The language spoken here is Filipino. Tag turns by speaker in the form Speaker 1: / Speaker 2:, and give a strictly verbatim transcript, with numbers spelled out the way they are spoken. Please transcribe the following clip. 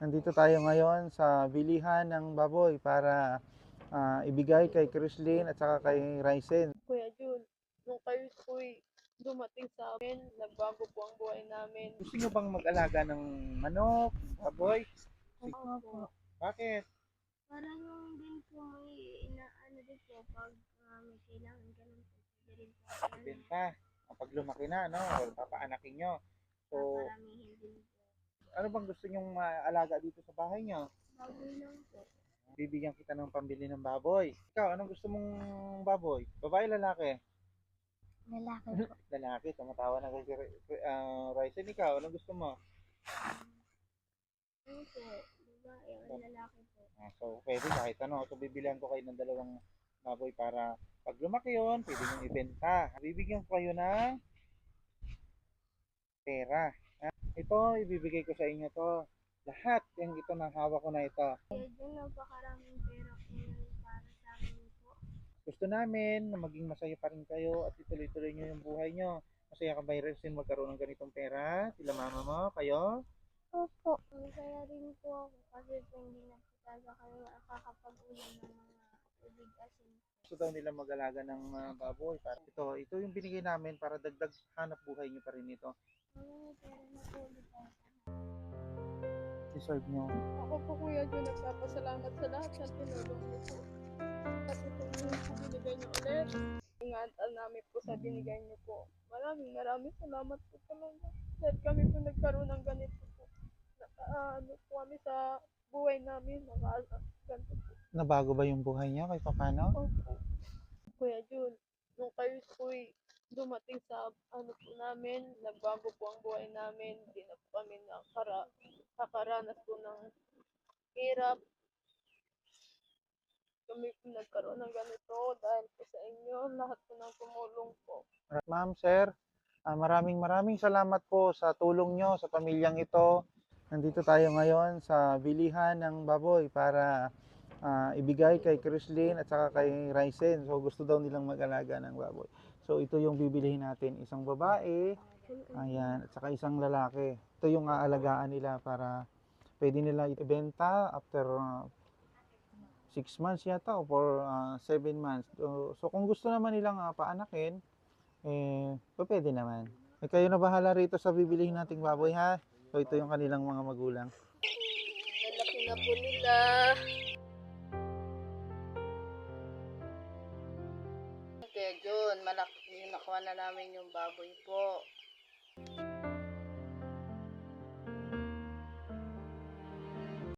Speaker 1: Nandito tayo ngayon sa bilihan ng baboy para ah, ibigay kay Chrislyn at saka kay Ryzen.
Speaker 2: Kuya Jun, nung kayo po'y dumating sa amin, nagbago po ang buhay namin.
Speaker 1: Gusto nyo bang mag-alaga ng manok, baboy?
Speaker 2: Opo.
Speaker 1: Bakit?
Speaker 3: Para yung din po may inaano din po pag ah, may kailangan ganun po. Pwede rin po ano,
Speaker 1: Benta. Kapag lumaki na, no? Or papaanakin nyo. So,
Speaker 3: paparamihin din po.
Speaker 1: ano bang gusto nyong maalaga dito sa bahay nyo?
Speaker 3: Baboy lang po.
Speaker 1: Bibigyan kita ng pambili ng baboy. Ikaw, anong gusto mong baboy? Babae, lalaki?
Speaker 3: Lalaki po.
Speaker 1: Lalaki, tumatawa na kay uh, Ryzen. Ikaw, anong gusto mo?
Speaker 3: Ano po, babae o lalaki po.
Speaker 1: Ah, so, pwede kahit ano. So, bibilihan ko kayo ng dalawang baboy para pag lumaki yun, pwede nyo ibenta. Bibigyan ko kayo ng pera. Ah, ito, ibibigay ko sa inyo to. Lahat yung ito ng hawak ko na ito.
Speaker 3: Kaya dyan napakaraming pera po yun para sa amin po.
Speaker 1: Gusto namin na maging masaya pa rin kayo at ituloy-tuloy nyo yung buhay nyo. Masaya ka ba, Ryzen, magkaroon ng ganitong pera? Sila mama mo, kayo?
Speaker 3: Opo. Masaya rin po ako kasi po hindi na po talaga kami makakapag-ulam ng mga tubig asin.
Speaker 1: Gusto daw nila mag-alaga ng ah, baboy. Para ito, ito yung binigay namin para dagdag hanap buhay nyo pa rin ito.
Speaker 3: Ano pera na po ulit ako.
Speaker 1: Deserve nyo.
Speaker 2: Ako po Kuya Jun, nagpapasalamat sa lahat ng tinulong niyo po. At ito yung po binigay niyo ulit. Ingatan namin po sa binigay niyo po. Maraming maraming salamat po talaga. Dahil kami po nagkaroon ng ganito po. Na, ano po kami sa buhay namin, naka, ganito po.
Speaker 1: Nabago ba yung buhay nyo kahit paano?
Speaker 2: Opo. Kuya Jun, nung kayo po'y dumating sa ano po namin, nagbago po ang buhay namin. Hindi na po kami nakara, nakaranas po ng hirap. Kami po nagkaroon ng ganito dahil po sa inyo, lahat po ng tumulong po.
Speaker 1: Ma'am, sir, ah, maraming maraming salamat po sa tulong nyo sa pamilyang ito. Nandito tayo ngayon sa bilihan ng baboy para ah, ibigay kay Chrislyn at saka kay Ryzen. So gusto daw nilang mag-alaga ng baboy. So ito yung bibilihin natin, isang babae, ayan, at saka isang lalaki. Ito yung aalagaan nila para pwede nila ibenta after six months yata o for seven months. So, so kung gusto naman nilang ah, paanakin, eh, pwede naman. Eh, kayo na bahala rito sa bibilihin nating baboy, ha? So, ito yung kanilang mga magulang.
Speaker 2: Nalaki na po nila. Kaya Jun, malaki, nakuha na namin yung baboy po.